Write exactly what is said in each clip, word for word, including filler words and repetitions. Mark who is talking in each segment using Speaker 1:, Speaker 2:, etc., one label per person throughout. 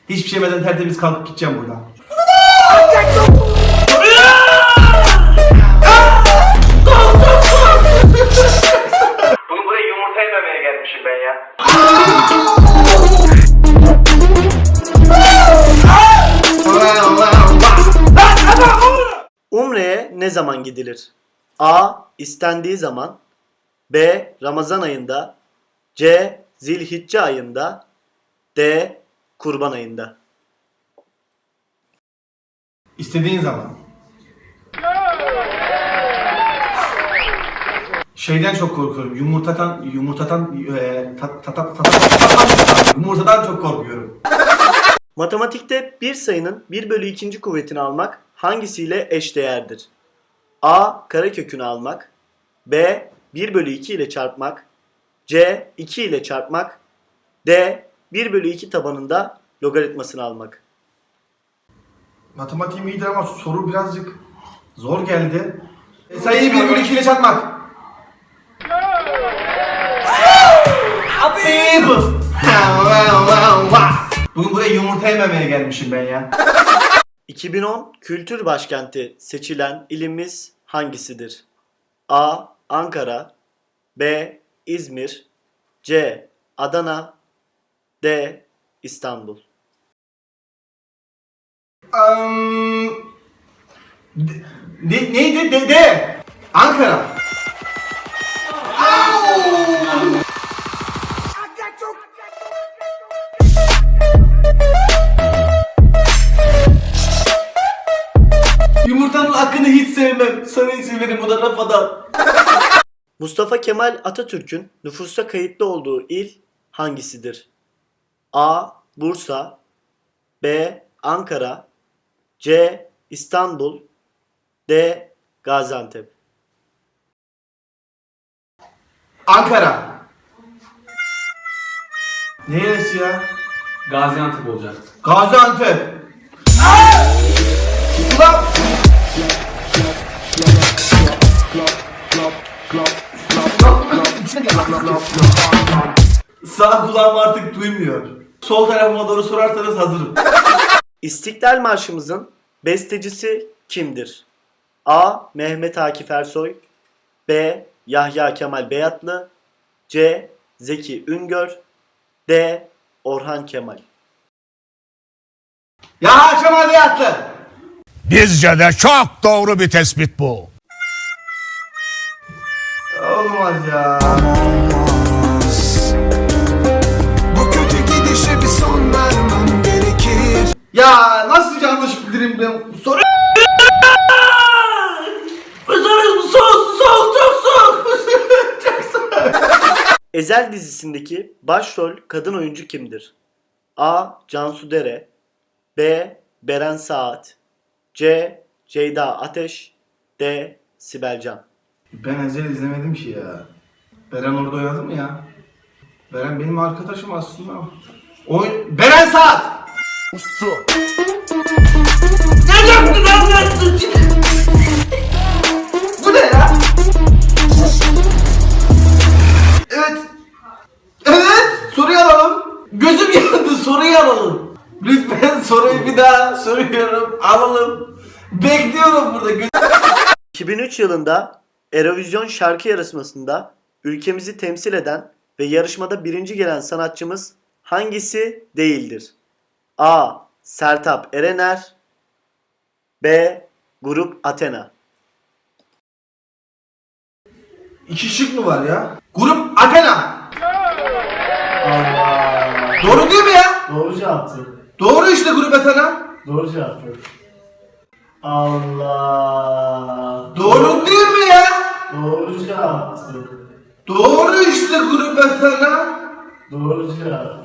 Speaker 1: Hiçbir şey yemeden tertemiz kalkıp gideceğim buradan.
Speaker 2: Bugün buraya yumurta yememeye gelmişim ben ya.
Speaker 3: Umre'ye ne zaman gidilir? A. İstendiği zaman. B. Ramazan ayında. C. Zilhicce ayında. D. Kurban ayında.
Speaker 1: İstediğin zaman. Şeyden çok korkuyorum. Yumurtadan, yumurtadan, e, ta, ta, ta, ta, ta, ta, yumurtadan çok korkuyorum.
Speaker 3: Matematikte bir sayının bir bölü ikinci kuvvetini almak hangisiyle eşdeğerdir? A. Karekökünü almak. B. bir bölü iki ile çarpmak. C. iki ile çarpmak. D. bir bölü iki tabanında logaritmasını almak.
Speaker 1: Matematiğim iyidir ama soru birazcık zor geldi. E, sayıyı bir bölü iki ile çarpmak. Abi bu. Bugün buraya yumurta yememeye gelmişim ben ya.
Speaker 3: iki bin on Kültür Başkenti seçilen ilimiz hangisidir? A. Ankara. B. İzmir. C. Adana. D. İstanbul.
Speaker 1: Um, de, ne, neydi? De, de. Ankara. Yumurtanın hakkını hiç sevmem. Sana izin verin, bu da rafadan.
Speaker 3: Mustafa Kemal Atatürk'ün nüfusa kayıtlı olduğu il hangisidir? A. Bursa. B. Ankara. C. İstanbul. D. Gaziantep.
Speaker 1: Ankara. Neresi ya?
Speaker 4: Gaziantep olacak.
Speaker 1: Gaziantep. Ulan! Sağ kulağım artık duymuyor. Sol tarafıma doğru sorarsanız hazırım.
Speaker 3: İstiklal Marşımızın bestecisi kimdir? A. Mehmet Akif Ersoy. B. Yahya Kemal Beyatlı. C. Zeki Üngör. D. Orhan Kemal.
Speaker 1: Ya Kemal Beyatlı.
Speaker 5: Bizce de çok doğru bir tespit bu.
Speaker 1: Olmaz ya.
Speaker 6: Bu kötü gidişe bir son vermem gerekir.
Speaker 1: Ya nasıl yanlış bilirim ben? Soru. Soru soğuk soğuk çok soğuk. Çok soğuk.
Speaker 3: Ezel dizisindeki başrol kadın oyuncu kimdir? A. Cansu Dere. B. Beren Saat. C. Ceyda Ateş. D. Sibel Can.
Speaker 1: Ben Ezel izlemedim ki ya. Beren orada oynadı mı ya? Beren benim arkadaşım aslında. Oyun... Beren Saat! Ne yaptın anlarsın? Bu ne ya? Evet. Evet. Soruyu alalım. Gözüm yandı. Soruyu alalım. Lütfen soruyu bir daha soruyorum. Alalım. Bekliyorum burada. Göz...
Speaker 3: iki bin üç yılında Eurovision şarkı yarışmasında ülkemizi temsil eden ve yarışmada birinci gelen sanatçımız hangisi değildir? A. Sertab Erener. B. Grup Athena.
Speaker 1: İki şık mı var ya? Grup Athena.
Speaker 3: Allah.
Speaker 1: Doğru değil mi ya?
Speaker 3: Doğru cevaptı.
Speaker 1: Doğru işte Grup Athena.
Speaker 3: Doğru cevaptı. Allah.
Speaker 1: Doğru değil mi ya?
Speaker 3: Doğru cevaptı.
Speaker 1: Doğru işte Grup Athena.
Speaker 3: Doğru cevaptı.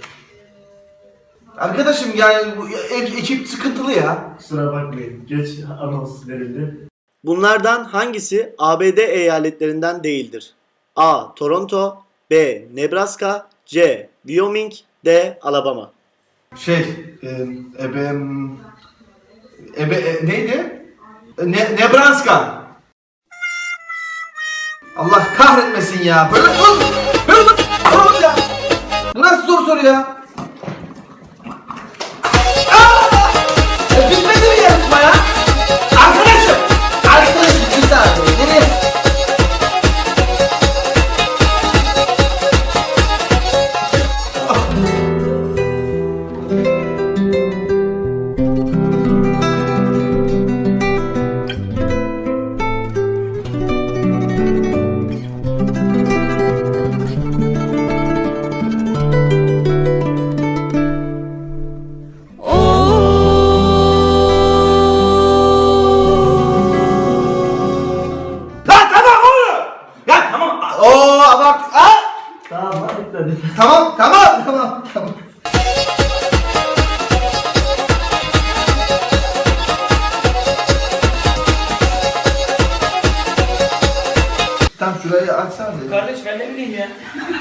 Speaker 1: Arkadaşım yani bu e- ekip sıkıntılı ya.
Speaker 3: Kusura bakmayın. Geç anons verildi. Bunlardan hangisi A B D eyaletlerinden değildir? A. Toronto. B. Nebraska. C. Wyoming. D. Alabama.
Speaker 1: Şey, e, ebe, ebe, e, neydi? Ne, Nebraska. Allah kahretmesin ya. Böyle oğlum, böyle oğlum ya. Bu nasıl zor soru ya?
Speaker 7: Ben ne bileyim ya.